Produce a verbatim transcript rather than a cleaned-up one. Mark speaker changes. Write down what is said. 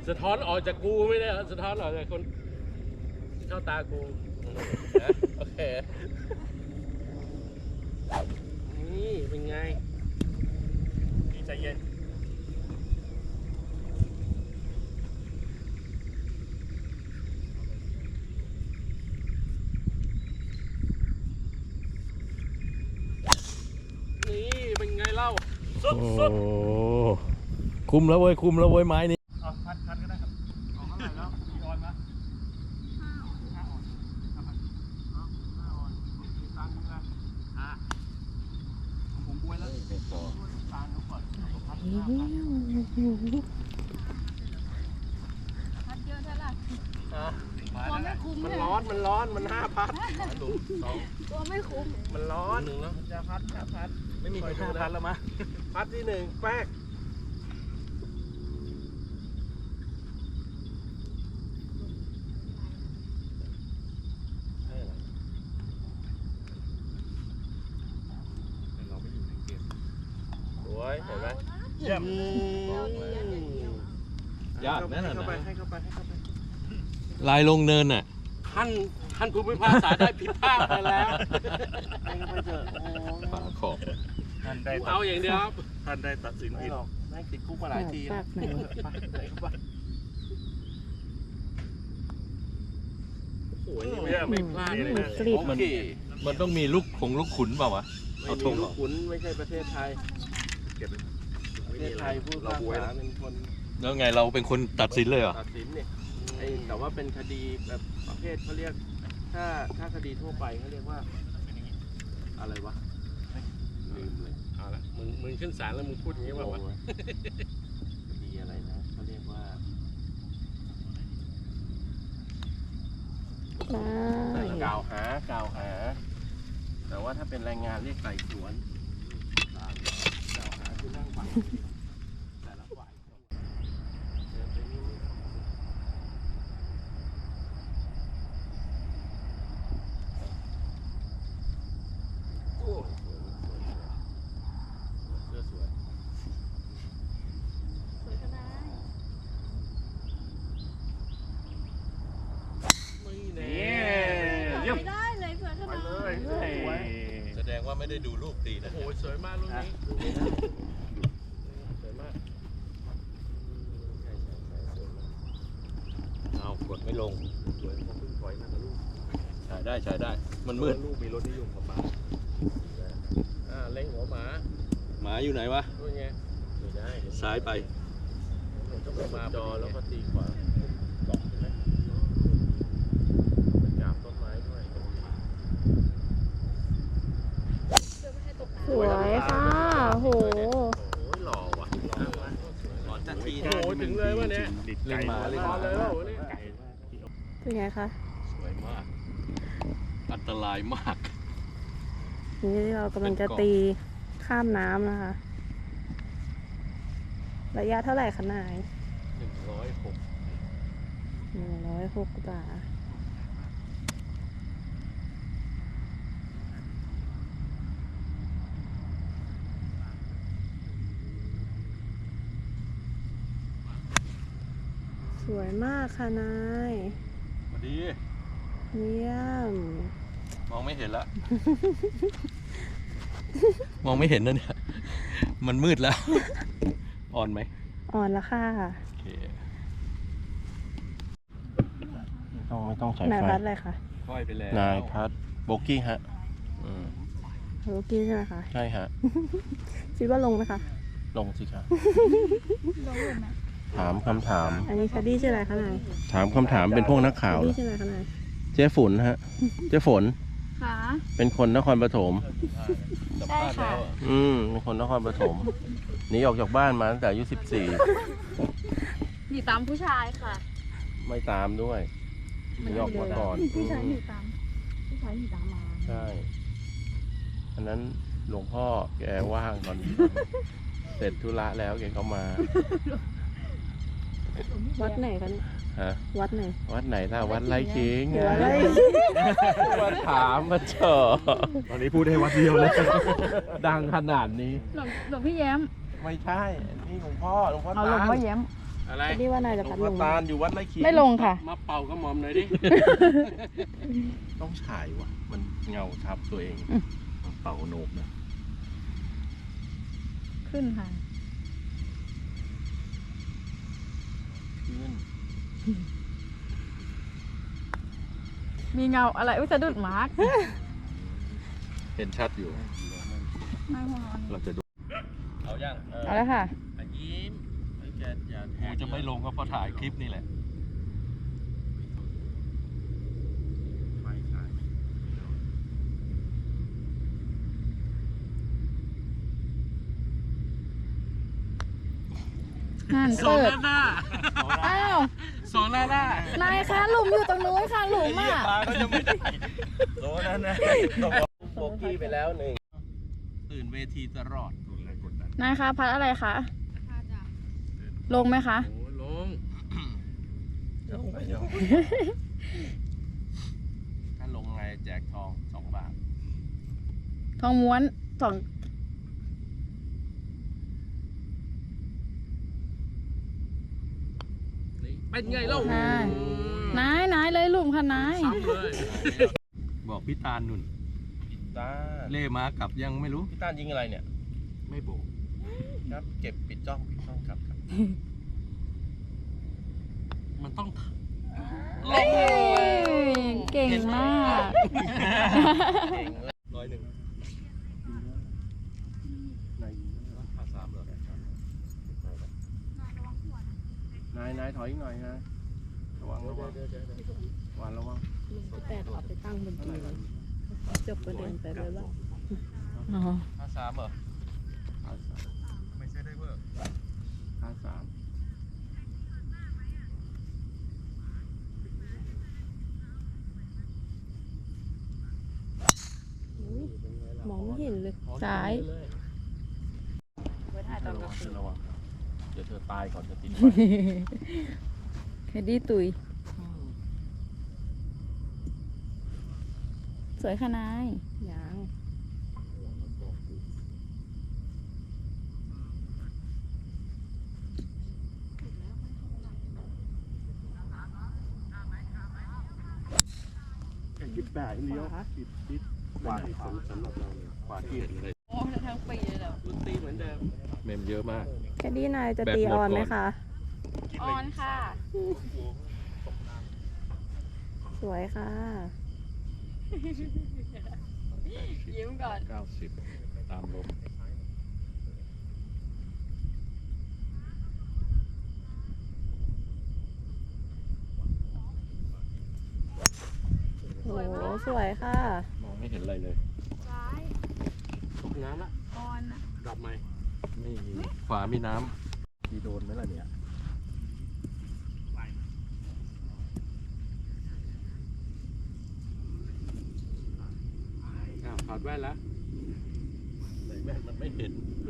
Speaker 1: สะท้อนออกจากกูไม่ได้สะท้อนออกจากคนเข้าตากูนะโอเคนี่เป็นไงพี่ใจเย็นนี่เป็นไงเล่าสุดสุด
Speaker 2: คุมแล้วเว้ยคุมแล้วเว้ยไม้นี้
Speaker 1: เอาพัดพัดก็ได้ครับเอาเท่าไหร่แล้วกี่ออนมาห้าออนห้าพันเอาห้าออนมีตังค์ด้วยอ่ะผมบวยแล้วตังค์ก่อนพัดเยอะเท่าไหร่ตัวไม่คุ้มมันร้อนมันร้อนมันห้าพัดตัวไม่คุ้มมันร้อนหนึ่งแล้วจะพัดจะพัดไม่มีใครห้าพัดแล้วมั้ยพัดที่หนึ่งแป๊กเห็นไหมเยี่ยมยากนั่นน่ะให้เข้าไปให้เข้าไปให้เข้าไป
Speaker 2: ลายลงเนินน่ะ
Speaker 1: ท่านท่านผู้พิพากษาได้ผิดพลาดไปแล้วให้เข้าไปเถอะ
Speaker 2: ฝาขอบ
Speaker 1: ท่านได้เอาอย่างเดียวครับท่านได้ตัดสินผิดได้ติดคุกมาหลายทีไปเข้าไปโอ้ยนี่ไม่พลาดเลยนะโอเค
Speaker 2: มันต้องมีลูกคงลูกขุนเปล่าวะ
Speaker 1: เอาธงลูกขุนไม่ใช่ประเทศไทยประเทศไทยพูดเราบวยเป็นคน
Speaker 2: แล้วไงเราเป็นคนตัดสินเลยเหรอ
Speaker 1: ตัดสินเนี่ยไอ้แต่ว่าเป็นคดีแบบประเภทเขาเรียกถ้าถ้าคดีทั่วไปเขาเรียกว่าอะไรวะลืมเลยเอาละมึงมึงขึ้นศาลแล้วมึงพูดอย่างนี้ว่าวะคดีอะไรนะเขาเรียกว่ากล่าวหากล่าวหาแต่ว่าถ้าเป็นแรงงานเรียกไต่สวนกล่าวหาคือนั่งฟังแต่ละฝ่ายโอ้เสื้อสวยสวยก็ได้ไม่แน่เยี่ยมได้เลยสวยขนาดเลย
Speaker 2: แสดงว่าไม่ได้ดูรูปตีนะ
Speaker 1: โอ้โหสวยมากลูกนี้สวยมาก
Speaker 2: เอากดไม่ลง
Speaker 1: สวยพอพึ่งปล่อยนั่นนะลูก
Speaker 2: ใช้ได้ใช้ได้มันมืด
Speaker 1: ลูกมีรถนิยมกับป้าอ่าเล็งหัวหมา
Speaker 2: หมาอยู่ไหนวะ
Speaker 1: นู่นไงไม่ได้
Speaker 2: ซ้ายไป
Speaker 1: ต้องมาจอแล้วก็ตีขวาเกาะใช่ไหมจับต้นไม้ด้วย
Speaker 3: สวยค่ะโห
Speaker 1: หล่อว่ะหล่อจัดทีโอ้ถึงเลยวะเนี่ย
Speaker 2: เล่นมาเล่นมา
Speaker 1: เลยแล้วนี่
Speaker 3: เป็นไงคะ
Speaker 2: สวยมากอันตรายมาก
Speaker 3: นี่เรากำลังจะตีข้ามน้ำนะคะระยะเท่าไหร่คะนาย
Speaker 2: หนึ่งร้อยหก
Speaker 3: หนึ่งร้อยหกบาทสวยมากค่ะนาย
Speaker 2: สวัสดี
Speaker 3: เยี่ยม
Speaker 2: มองไม่เห็นละ มองไม่เห็นนะเนี่ยมันมืดแล้วอ่อนไหม
Speaker 3: อ่อนแล้วค่ะ
Speaker 1: ต้องไม่ต้องใช้ไฟ
Speaker 3: นายพัดอะไรคะ
Speaker 2: ค่อยไปแล้ว
Speaker 1: นายพัดโบกี้ฮะ
Speaker 3: โบกี้ใช่ไหมคะ
Speaker 1: ใช่ฮะ
Speaker 3: คิดว่าลงไหมคะ
Speaker 1: ลงสิครับลงไหมถามคำถาม
Speaker 3: อันนี้คดีชื่ออะไรคะนาย
Speaker 1: ถามคำถามเป็นพวกนักข่าว
Speaker 3: คดีชื่ออะไรคะนาย
Speaker 1: เจ๊ฝนฮะเจ๊ฝน
Speaker 3: ค่ะ
Speaker 1: เป็นคนนครปฐม
Speaker 3: ใช่ค่ะ
Speaker 1: อืมเป็นคนนครปฐมหนีออกจากบ้านมาตั้งแต่อายุสิบสี่
Speaker 3: หนีตามผู้ชายค่ะ
Speaker 1: ไม่ตามด้วยหนีออกมาก่อน
Speaker 3: ผู้ชายหนีตามผู้ชายหนีตามมา
Speaker 1: ใช่อันนั้นหลวงพ่อแกว่างตอนเสร็จธุระแล้วแกก็มา
Speaker 3: วัดไหนกัน
Speaker 1: ฮะ
Speaker 3: วัดไหน
Speaker 1: วัดไหนล่ะวัดไร่ขิงไงมาถามมาเจอ
Speaker 2: ตอนนี้พูดได้วัดเดียวเลย
Speaker 1: ดังขนาดนี้
Speaker 3: หลวงหลวงพี่แย้ม
Speaker 1: ไม่ใช่นี่หลวงพ่อหลวงพ่อ
Speaker 3: เอาหลวงพ่อแย้ม
Speaker 1: อะไร
Speaker 3: แคดดี้ว่านายจะพัดลงไหม
Speaker 1: ตาลอยู่วัดไร่ขิง
Speaker 3: ไม่ลงค่ะ
Speaker 1: มาเป่ากระหม่อมหน่อยดิ ต้องฉายว่ะ มันเงาทับตัวเอง
Speaker 3: อืม
Speaker 1: มันเป่าโหนกนะ
Speaker 3: ขึ้นค่ะ
Speaker 1: ขึ้น
Speaker 3: มีเงาอะไรอุ้ยสะดุดมาร์ก
Speaker 2: เห็นชัดอยู่
Speaker 3: ไม่พอ
Speaker 2: เราจะดู
Speaker 1: เอายัง
Speaker 3: เอาแล้วค่ะ
Speaker 1: อ่ะยิ้มไอ้แกอย่าแท
Speaker 2: กูจะไม่ลงก็เพราะถ่ายคลิปนี่แหละ
Speaker 1: ไฟฉาย
Speaker 3: นั่น
Speaker 1: สอง
Speaker 3: เปิด
Speaker 1: หน้า
Speaker 3: อ้าว
Speaker 1: สองหน้าหน้าน
Speaker 3: ายคะหลุมอยู่ตรงนู้นค่ะหลุมอ่ะ
Speaker 1: ปลาก็จะไม่ได้โซนั่นนะโบกี้ไปแล้วหนึ่งตื่นเวทีตลอดกดแรงกดดัน
Speaker 3: นายคะพัดอะไรคะ ลงไหมคะ
Speaker 1: โอ้ลงเดี๋ยวไปเดี๋ยวถ้าลงไงแจกทองสองบาท
Speaker 3: ทองม้วนสอง
Speaker 1: เป็นไงเล่าน
Speaker 3: ายนายนายเลยหลุมค่ะนาย
Speaker 1: ซ้ำเลย
Speaker 2: บอกพี่ตาลนุ่น
Speaker 1: พี่ตา
Speaker 2: เล่มากลับยังไม่รู้
Speaker 1: พี่ตายิงอะไรเนี่ย
Speaker 2: ไม่โบก
Speaker 1: ครับ เก็บปิดจ้องปิดจ้องครับครับ มันต้อง
Speaker 3: เอ้ยเก่งมาก
Speaker 1: เก่งเลยร้อยหนึ่งภาษาเหรอนายนายถอยอีกหน่อยนะระวังระวังหวานระวัง
Speaker 3: แปดเอาไปตั้งบนตัวจบประเด็นไปเลยว่าอ๋อ
Speaker 1: ภาษาเหรอภาษาไม่ใช่ได้เวอร์ภาษาม
Speaker 3: มองไม่เห็นเลย ซ้าย
Speaker 1: ระวังระวังเดี๋ยวเธอตายก่อนจะติดไฟ
Speaker 3: แคดดี้ตุย สวยค่ะนายยัง
Speaker 1: ยิบแปดเลี้ยวยิบยิบขวาที่สำสำหรับเราเลยขวาที่เห็นเลย
Speaker 3: โอ้ทั้งปีเลยเหรอ
Speaker 1: ดนตรีเหมือนเดิม
Speaker 2: เมมเยอะมาก
Speaker 3: แคดดี้นายจะ
Speaker 2: แบบ
Speaker 3: ตี
Speaker 2: หมด
Speaker 3: ออนไหม
Speaker 2: ก่อน
Speaker 3: คะ
Speaker 1: ออนค่ะ
Speaker 3: สวยค่ะ ยิ้มก่อน
Speaker 2: เก้าสิบตามลม
Speaker 3: โอ้โหสวยค่ะ
Speaker 2: มองไม่เห็นอะไรเลย
Speaker 1: ตกน้ำละออนดับไหม
Speaker 2: ไม่มีขวามีน้ำมีโดนไหมล่ะเนี่ย
Speaker 1: อ้าวถอดแว่นแล้ว
Speaker 2: ใส่แว่นมันไม่เห็น